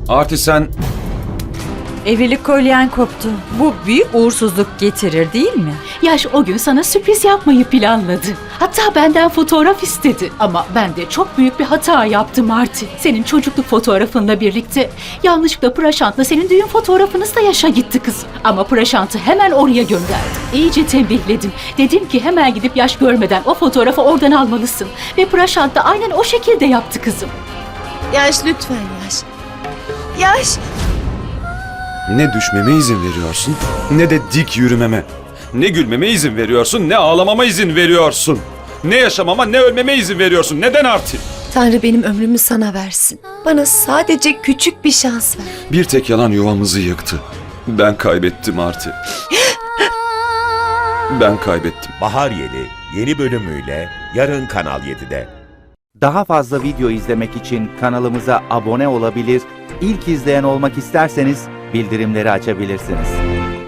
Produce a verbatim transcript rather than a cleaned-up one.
Arti sen... Evlilik kolyen koptu. Bu büyük uğursuzluk getirir değil mi? Yaş o gün sana sürpriz yapmayı planladı. Hatta benden fotoğraf istedi. Ama ben de çok büyük bir hata yaptım Marty. Senin çocukluk fotoğrafınla birlikte yanlışlıkla Prashant'la senin düğün fotoğrafınız da Yaş'a gitti kızım. Ama Prashant'ı hemen oraya gönderdim. İyice tembihledim. Dedim ki hemen gidip Yaş görmeden o fotoğrafı oradan almalısın. Ve Prashant da aynen o şekilde yaptı kızım. Yaş lütfen Yaş. Yaş. Ne düşmeme izin veriyorsun, ne de dik yürümeme. Ne gülmeme izin veriyorsun, ne ağlamama izin veriyorsun. Ne yaşamama, ne ölmeme izin veriyorsun. Neden Arti? Tanrı benim ömrümü sana versin. Bana sadece küçük bir şans ver. Bir tek yalan yuvamızı yıktı. Ben kaybettim Arti. Ben kaybettim. Bahar Yeli yeni bölümüyle yarın Kanal yedide. Daha fazla video izlemek için kanalımıza abone olabilir, ilk izleyen olmak isterseniz bildirimleri açabilirsiniz.